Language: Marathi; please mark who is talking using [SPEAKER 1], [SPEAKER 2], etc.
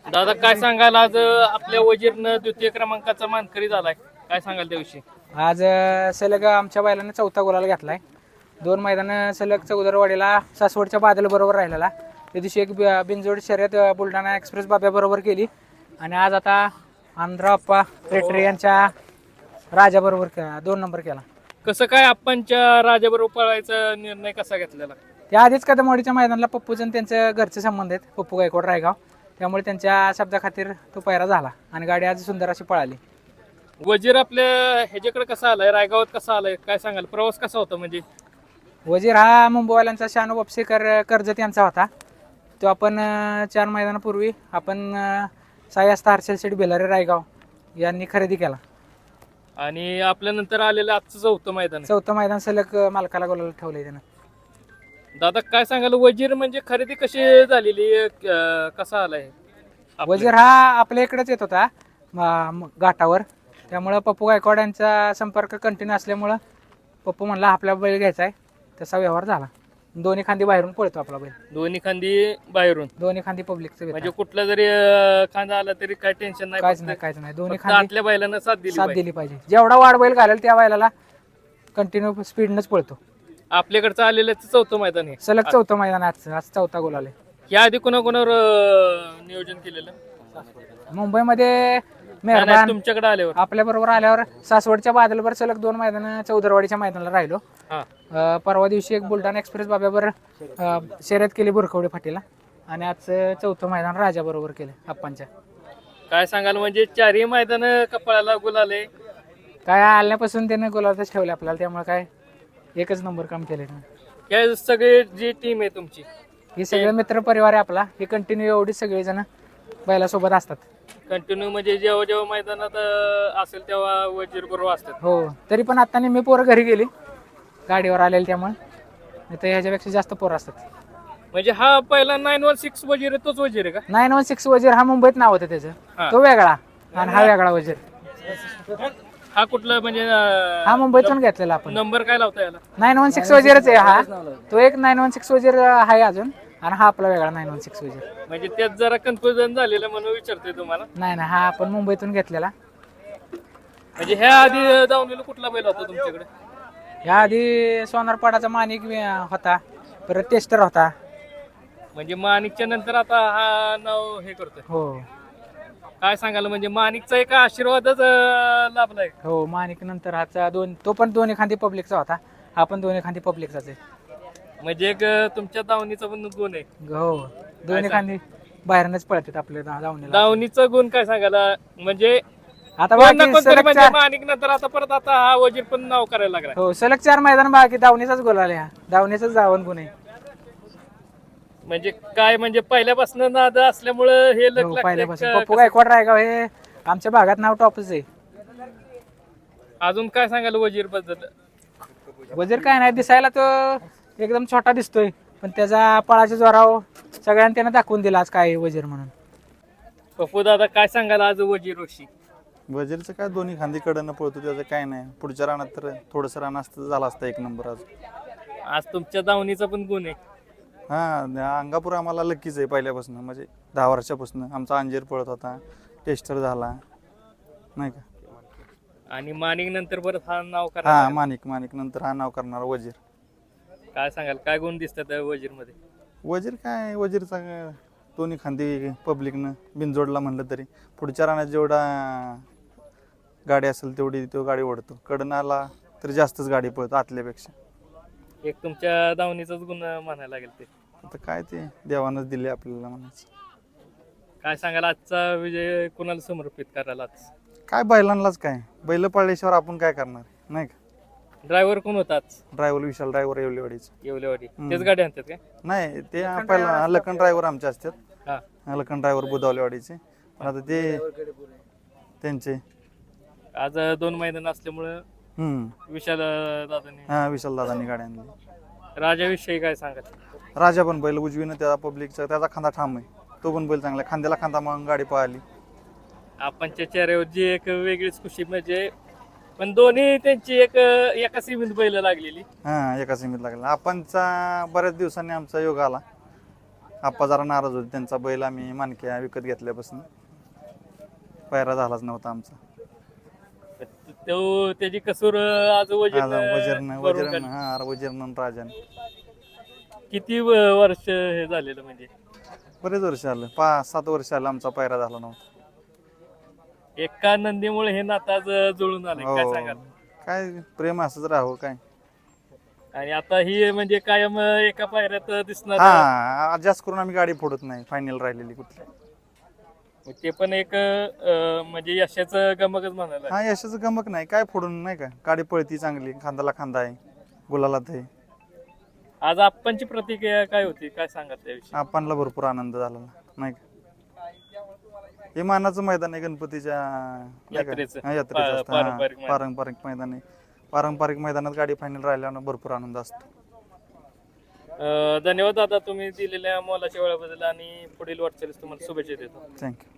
[SPEAKER 1] दादा काय सांगाल आज आपल्या वजीरनं द्वितीय क्रमांकाचा मानकरी झालाय, काय सांगाल त्याविषयी?
[SPEAKER 2] आज सलग आमच्या बैलाने चौथा गुलाल घेतलाय. 2 मैदान सलग चौदरवाडीला सासवडच्या बादल बरोबर राहिलेला. त्या दिवशी एक बिनजोड शर्यत बुलढाणा एक्सप्रेस बाब्या बरोबर केली आणि आज आता आंध्रा अप्पा रेटरे यांच्या राजा बरोबर 2 नंबर केला.
[SPEAKER 1] कसं काय आपणच्या राजाबरोबर पळायचा निर्णय कसा घेतलेला?
[SPEAKER 2] त्या आधीच कदमवाडीच्या मैदानाला पप्पूचं त्यांचं घरचे संबंध आहेत, पप्पू गायकवाड रायगाव, त्यामुळे त्यांच्या शब्दाखातीर तो पैरा झाला आणि गाडी आज सुंदर अशी पळाली.
[SPEAKER 1] वजीर आपल्या ह्याच्याकडे कसा आलाय, रायगावात कसा आलाय, काय सांगाल? प्रवास कसा होता? म्हणजे
[SPEAKER 2] वजीर हा मुंबईवाल्यांचा शानू वापसेकर कर्जत यांचा होता. तो आपण 4 मैदानापूर्वी आपण सायास्ता हर्षल शेठ बेलारे रायगाव यांनी खरेदी केला
[SPEAKER 1] आणि आपल्यानंतर आलेलं आजचं चौथं मैदान आहे.
[SPEAKER 2] 4थं मैदान सलग मालकाला गोलाला ठेवलंय त्यानं.
[SPEAKER 1] दादा काय सांगाल, वजीर म्हणजे खरेदी कशी झालेली, कसा आलाय?
[SPEAKER 2] वजीर हा आपल्या इकडेच येत होता घाटावर, त्यामुळं पप्पू गायकवाड यांचा संपर्क कंटिन्यू असल्यामुळं पप्पू म्हणला आपला बैल घ्यायचा आहे, तसा व्यवहार झाला. दोन्ही खांदी बाहेरून पळतो आपला बैल,
[SPEAKER 1] दोन्ही खांदी बाहेरून,
[SPEAKER 2] दोन्ही खांदी पब्लिकचं
[SPEAKER 1] म्हणजे कुठला जरी खांदा आला तरी काय टेन्शन नाही,
[SPEAKER 2] काहीच नाही. दोन्ही
[SPEAKER 1] फक्त
[SPEAKER 2] खांदी
[SPEAKER 1] आतल्या बैलांना साथ दिली
[SPEAKER 2] पाहिजे. जेवढा वाढ बैल घालेल त्या बैलाला कंटिन्यू स्पीडनंच पळतो.
[SPEAKER 1] आपल्याकडचं आलेलं चौथं मैदान आहे,
[SPEAKER 2] सलग 4थं मैदान आज 4था गोल आले.
[SPEAKER 1] या आधी कोणाकोणावर नियोजन केलेलं?
[SPEAKER 2] मुंबईमध्ये
[SPEAKER 1] नाही,
[SPEAKER 2] मेहरबान
[SPEAKER 1] तुमच्याकडे आल्यावर
[SPEAKER 2] आपल्या बरोबर आल्यावर सासवडच्या बादलवर सलग 2 मैदान चौदरवाडीच्या मैदानाला राहिलो.
[SPEAKER 1] हा.
[SPEAKER 2] परवा दिवशी एक बुलढाणा एक्सप्रेस बाब्यावर शर्यत केली बुरखवडे फाटीला आणि आज 4थं मैदान राजा बरोबर केलं आप्पांच्या.
[SPEAKER 1] काय सांगाल, म्हणजे 4ही मैदान कपाळाला गुलाले,
[SPEAKER 2] काय आल्यापासून त्याने गोलातच ठेवले आपल्याला, त्यामुळे काय एकच नंबर काम केले.
[SPEAKER 1] या सगळे जी टीम आहे तुमची,
[SPEAKER 2] हे सगळे मित्र परिवार आहे आपला, हे कंटिन्यू एवढी सगळेजण बैलासोबत असतात.
[SPEAKER 1] कंटिन्यू म्हणजे जेव्हा जेव्हा मैदानात असेल तेव्हा वजीर बरोबर असतात.
[SPEAKER 2] हो, तरी पण आता मी पोरं घरी गेली गाडीवर आलेली, त्यामुळे नाही तर ह्याच्यापेक्षा जास्त पोरं असतात.
[SPEAKER 1] म्हणजे हा पहिला 916 वजीर आहे, तोच वजीर आहे का?
[SPEAKER 2] 916 वजीर हा मुंबईत नाव होतं त्याचं, तो वेगळा आणि हा वेगळा वजीर.
[SPEAKER 1] हा कुठला म्हणजे
[SPEAKER 2] हा मुंबईतून घेतलेला आपण.
[SPEAKER 1] नंबर काय लावता याला?
[SPEAKER 2] 916 वजीरच आहे हा, तो एक 916 वजीर आहे अजून, आणि हा आपला वेगळा 916 वजीर.
[SPEAKER 1] म्हणजे त्यात जरा कन्फ्युजन झालेलं म्हणून विचारतोय तुम्हाला.
[SPEAKER 2] नाही, हा आपण मुंबईतून घेतलेला.
[SPEAKER 1] म्हणजे ह्या आधी दावणीला कुठला बैल होता तुमच्याकडे?
[SPEAKER 2] या आधी सोनारपाडाचा माणिक होता, परत टेस्टर होता.
[SPEAKER 1] म्हणजे माणिकच्या नंतर आता हा नाव हे करतोय.
[SPEAKER 2] हो,
[SPEAKER 1] काय सांगाल, म्हणजे माणिकचा एक आशीर्वादच लाभलाय.
[SPEAKER 2] हो, माणिक नंतर हाचा तो पण दोन्ही खांदी पब्लिकचा होता, हा पण दोन्ही खांदी पब्लिकचाच आहे.
[SPEAKER 1] म्हणजे एक तुमच्या दावणीचा पण गुण आहे.
[SPEAKER 2] हो, दोन्ही खांदी बाहेरनच पळतात आपल्या दावणीला.
[SPEAKER 1] दावणीचा गुण काय सांगायला, म्हणजे
[SPEAKER 2] आता
[SPEAKER 1] म्हणजे माणिक नंतर आता परत आता हा वजीर पण नाव करायला लागला.
[SPEAKER 2] हो, सलग 4 मैदान बाकी दावणीचाच गोल आले, हा दावणीचाच जावण गुण आहे.
[SPEAKER 1] म्हणजे काय, म्हणजे पहिल्यापासून नाद असल्यामुळं हे
[SPEAKER 2] हो, पहिल्यापासून पप्पू गायकवाड रायगाव हे आमच्या भागात नाव टॉपच आहे.
[SPEAKER 1] अजून काय सांगाल वजीर बद्दल?
[SPEAKER 2] वजीर काय नाही, दिसायला तो एकदम छोटा दिसतोय, पण त्याचा पळाच्या जोरावर सगळ्यांनी त्यानं दाखवून दिला आज काय वजीर म्हणून.
[SPEAKER 1] पप्पू दादा काय सांगाल आज वजीर विषयी?
[SPEAKER 3] वजीरचं काय दोन्ही खांदी कडनं पळतो, त्याचं काय नाही. पुढच्या रानात तर थोडंसं रान असतं झालं असतं 1 नंबर.
[SPEAKER 1] आज तुमच्या दावणीचा पण गुण आहे.
[SPEAKER 3] हा, अंगापूर आम्हाला लकीच आहे पहिल्यापासून, म्हणजे 10 वर्षापासून आमचा अंजीर पळत होता, टेस्टर झाला नाही का.
[SPEAKER 1] आणि माणिक नंतर परत हा नाव करा.
[SPEAKER 3] हा, माणिक नंतर हा नाव करणार वजीर.
[SPEAKER 1] काय सांगाल, काय गुण दिसतात वजीर मध्ये?
[SPEAKER 3] वजीर काय, वजीरचा दोन्ही खांदी पब्लिकनं बिनजोडला म्हणलं तरी पुढच्या रानात जेवढा गाडी असेल तेवढी तो गाडी ओढतो, कडनं आला तर जास्तच गाडी पळतो आतल्यापेक्षा.
[SPEAKER 1] एक तुमच्या दावणीचाच गुण म्हणायला लागेल ते.
[SPEAKER 3] आता काय ते देवानंच दिले आपल्याला म्हणायचं.
[SPEAKER 1] काय सांगाल, आजचा विजय कोणाला समर्पित करायला? आज
[SPEAKER 3] काय बैलांनाच, काय बैल पळल्याशिवाय आपण काय करणार नाही का.
[SPEAKER 1] ड्रायव्हर कोण होता आज?
[SPEAKER 3] ड्रायव्हर विशाल ड्रायव्हर येवलेवाडीच.
[SPEAKER 1] येवलेवाडी तेच गाडी आणतात काय?
[SPEAKER 3] नाही, ते पहिला लखन ड्रायव्हर आमचे असतात.
[SPEAKER 1] हा,
[SPEAKER 3] लखन ड्रायव्हर बुधावलेवाडीचे, आता ते त्यांचे
[SPEAKER 1] आज 2 मैदान असल्यामुळं विशाल दादांनी
[SPEAKER 3] विशाल दादांनी गाडी आणली.
[SPEAKER 1] राजाविषयी काय सांगाल?
[SPEAKER 3] राजा पण बैल उजवीनं त्याचा पब्लिकचा त्याचा खांदा ठाम आहे, तो पण बैल चांगला, खांद्याला खांदा मग गाडी पळाली.
[SPEAKER 1] आपणच्या चेहऱ्यावर जी एक वेगळीच खुशी, म्हणजे पण दोन्ही त्यांची एका सीमित बैल लागलेली.
[SPEAKER 3] एका सीमित लागला. आपणचा बऱ्याच दिवसांनी आमचा योग आला, आप्पा जरा नाराज होते, त्यांचा बैल आम्ही मानक्या विकत घेतल्यापासून पायरा झालाच नव्हता आमचा.
[SPEAKER 1] तो त्याची कसूर आज वजीरनं
[SPEAKER 3] वजीरनं
[SPEAKER 1] भरून
[SPEAKER 3] वजीरनं
[SPEAKER 1] काढली.
[SPEAKER 3] हा वजीरनं राजाने
[SPEAKER 1] किती वर्ष हे झालेलं म्हणजे
[SPEAKER 3] बरेच वर्ष आलं, 5-7 वर्ष आलं आमचा पायरा झाला नव्हता.
[SPEAKER 1] एका नंदीमुळे हे नातं आज जुळून आले, काय
[SPEAKER 3] हो
[SPEAKER 1] सांगाल?
[SPEAKER 3] काय प्रेम असंच राहावं काय.
[SPEAKER 1] आणि आता ही म्हणजे कायम एका पायऱ्यात दिसणार
[SPEAKER 3] हा जास्त करून आम्ही गाडी फोडत नाही, फायनल राहिलेली कुठली.
[SPEAKER 1] ते पण एक म्हणजे यशाचं गमकच म्हणायला.
[SPEAKER 3] हा यशाचं गमक नाही, काय फोडून नाही का, गाडी पळती चांगली, खांदाला खांदा आहे, गुलालात आहे.
[SPEAKER 1] आज आप्पांची प्रतिक्रिया काय होती, काय सांगाल त्याविषयी?
[SPEAKER 3] आपणला भरपूर आनंद झाला नाही का. हे मानाचं मैदान आहे गणपतीच्या नाही का?
[SPEAKER 1] यात्रेचं.
[SPEAKER 3] हा, यात्रेचं असतं. हा,
[SPEAKER 1] पारंपरिक मैदान.
[SPEAKER 3] पारंपरिक मैदान आहे. पारंपरिक मैदानात गाडी फायनल राहिल्यानं भरपूर आनंद असतो.
[SPEAKER 1] धन्यवाद दादा, तुम्ही दिलेल्या मोलाच्या वेळाबद्दल आणि पुढील वाटचालीस तुम्हाला शुभेच्छा देतो.
[SPEAKER 3] थँक्यू.